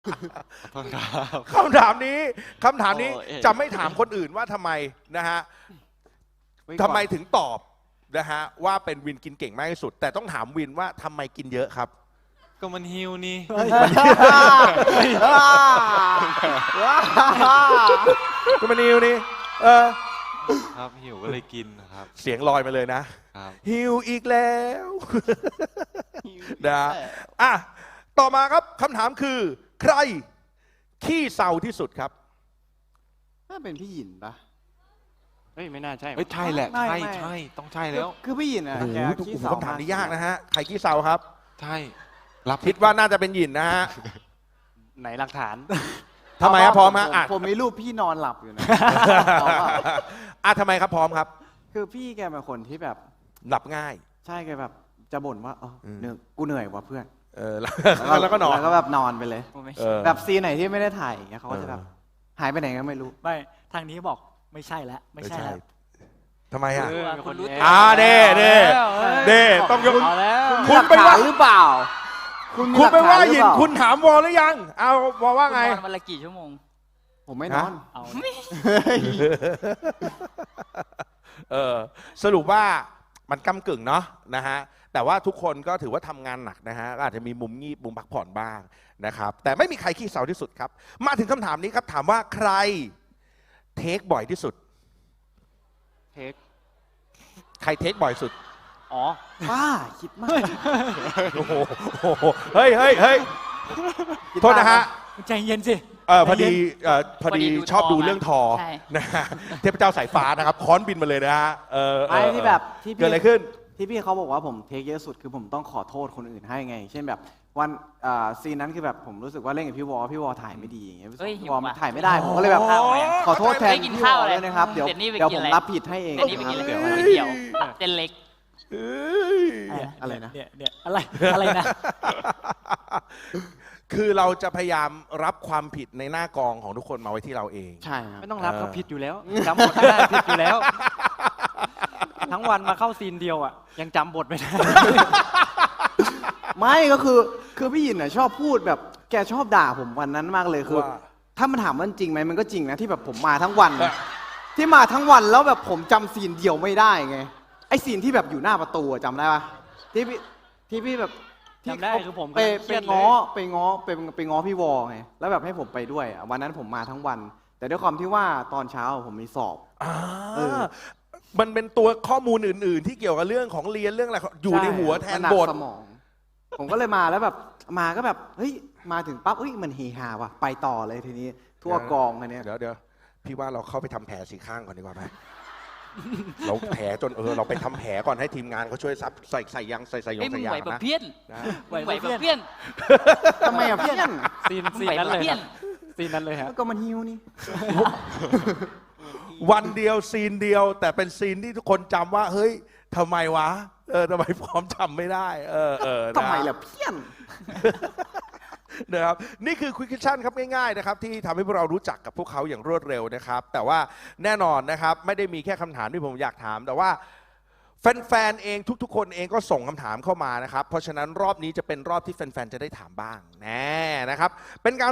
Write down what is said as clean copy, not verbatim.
ขอโทษครับคำถามนี้โอ้เอ๊ะจะไม่ถามคนอื่นว่าทำไมนะฮะทำไมถึงตอบนะฮะว่าเป็นวินกินเก่งมากที่สุด แต่ต้องถามวินว่าทำไมกินเยอะครับก็มันหิวนี่ก็มานิวนี่ครับหิวก็เลยกินนะครับเสียงลอยมาเลยนะครับ หิวอีกแล้วนะอ่ะต่อมาครับคำถามคือ ใครขี้เศร้าที่สุดครับน่าเป็นพี่หยินปะเฮ้ยไม่น่าใช่เฮ้ยใช่แหละไม่ใช่ไม่ใช่ต้องใช่แล้วคือพี่หยินอ่ะโอ้โหแกทุกขี้คนเศร้าคำถามนี้ยากนะฮะใครขี้เศร้าครับใช่รับคิดว่าน่าจะเป็นหยินนะฮะไหนหลักฐานทำไมครับพร้อมฮะอ่ะผมมีรูปพี่นอนหลับอยู่นะอ่ะทำไมครับพร้อมครับคือพี่แกเป็นคนที่แบบหลับง่ายใช่แกแบบจะบ่นว่าเหนื่อยกูเหนื่อยว่ะเพื่อนแล้วก็นอนแล้วก็แบบนอนไปเลยเออแบบซีนไหนที่ไม่ได้ถ่ายอย่างเงี้ยเขาก็จะแบบหายไปไหนก็ไม่รู้ไม่ทางนี้บอกไม่ใช่แล้วไม่ใช่แล้วทำไมอ่ะคนรู้เด้ต้องยกเอาแล้วคุณไปว่าหรือเปล่าคุณไปว่าหยินคุคุณ ณถามวอลหรือยัง เอาวอลว่าไงคุณนอนวันละกี่ชั่วโมงผมไม่นอนเอาสรุปว่ามันก้ำกึ่งเนาะนะฮะแต่ว่าทุกคนก็ถือว่าทำงานหนักนะฮะก็อาจจะมีมุมงีบมุมพักผ่อนบ้างนะครับแต่ไม่มีใครขี้เศร้าที่สุดครับมาถึงคำถามนี้ครับถามว่าใครเทคบ่อยที่สุดเทคใครเทคบ่อยสุดอ๋อป้าคิดมากโอ้โหเฮ้ยโทษนะฮะใจเย็นสิพอดีพอดีดูชอบทอดูมาเรื่องทอใช่นะฮะเทพเจ้าสายฟ้านะครับค้อนบินมาเลยนะฮะไอ้ที่แบบที่เกิดอะไรขึ้นที่พี่เขาบอกว่าผมเทคเยอะสุดคือผมต้องขอโทษคนอื่นให้ไง เช่นแบบวันซีนนั้นคือแบบผมรู้สึกว่าเล่นกับพี่วอถ่ายไม่ดีอย่างเงี้ยเฮ้ยหิพี่ววอมันว่ะถ่ายไม่ได้ผมก็เลยแบบข้าวไหมขอโทษแทนไม่กินพี่วข้าวออะไรด้วยนะครับ เดี๋ยวเดี๋ยวนี้ไปเดี๋ยวกิผนมอะไรรับผิดให้เองเดี๋ยวนี้ไปกินอะไรเดี๋ยวก๋วยเตี๋ยวเส้นเล็กอะไรนะเนี่ยอะไรนะคือเราจะพยายามรับความผิดในหน้ากองของทุกคนมาไว้ที่เราเองใช่ครับไม่ต้องรับเขาผิดอยู่แล้วจำบทไม่ได้ผิดอยู่แล้ว ทั้งวันมาเข้าซีนเดียวอ่ะยังจำบทไม่ได้ไม่ก็คือพี่หยินน่ะชอบพูดแบบแกชอบด่าผมวันนั้นมากเลยคือว่าถ้ามันถามว่าจริงไหมมันก็จริงนะที่แบบผมมาทั้งวัน ที่มาทั้งวันแล้วแบบผมจำซีนเดียวไม่ได้ไงไอซีนที่แบบอยู่หน้าประตูอะจำได้ปะที่พี่แบบที่จำได้เขาคือผมไปกำลังเครียดเลยไปง้อพี่วอไงแล้วแบบให้ผมไปด้วยอะวันนั้นผมมาทั้งวัน แต่ด้วยความที่ว่าตอนเช้าผมมีสอบ เออมันเป็นตัวข้อมูลอื่น ๆ ที่เกี่ยวกับเรื่องของเรียนเรื่องอะไรอยู่ในหัวแทนมัหกบทสมอง ผมก็เลยมาแล้วแบบมาก็แบบเฮ้ยมาถึงปั๊บเฮ้ยมันเฮฮาว่ะไปต่อเลยทีนี้ทั่วกองอันเนี้ยเดี๋ยวพี่ว่าเราเข้าไปทำแผลสีข้างก่อนดีกว่าไหม เราแผลจนเราไปทำแผลก่อนให้ทีมงานเขาช่วยซับใส่ยางใส่ยเอ้ยงมึใส่งยาไหวงแบบนะเพี้ยนนะไหวแบบเพี้ยนทำไมอะเพื่อนซีนไหวนั้นแบบเลยเพี้ยคน รับซีนนั้นเลยฮะก็มันฮิวนี่วันเดียวซีนเดียว แต่เป็นซีนที่ทุกคนจำว่า เฮ้ยทำไมวะทำไมพร้อมจำไม่ได้นะทำไมล่ะเพื่อนนะครับนี่คือ Quick Question ครับง่ายๆนะครับที่ทำให้พวกเรารู้จักกับพวกเขาอย่างรวดเร็วนะครับแต่ว่าแน่นอนนะครับไม่ได้มีแค่คำถามที่ผมอยากถาม แต่ว่าแฟนๆเองทุกๆคนเองก็ส่งคำถามเข้ามานะครับเพราะฉะนั้นรอบนี้จะเป็นรอบที่แฟนๆจะได้ถามบ้างแน่นะครับเป็นการ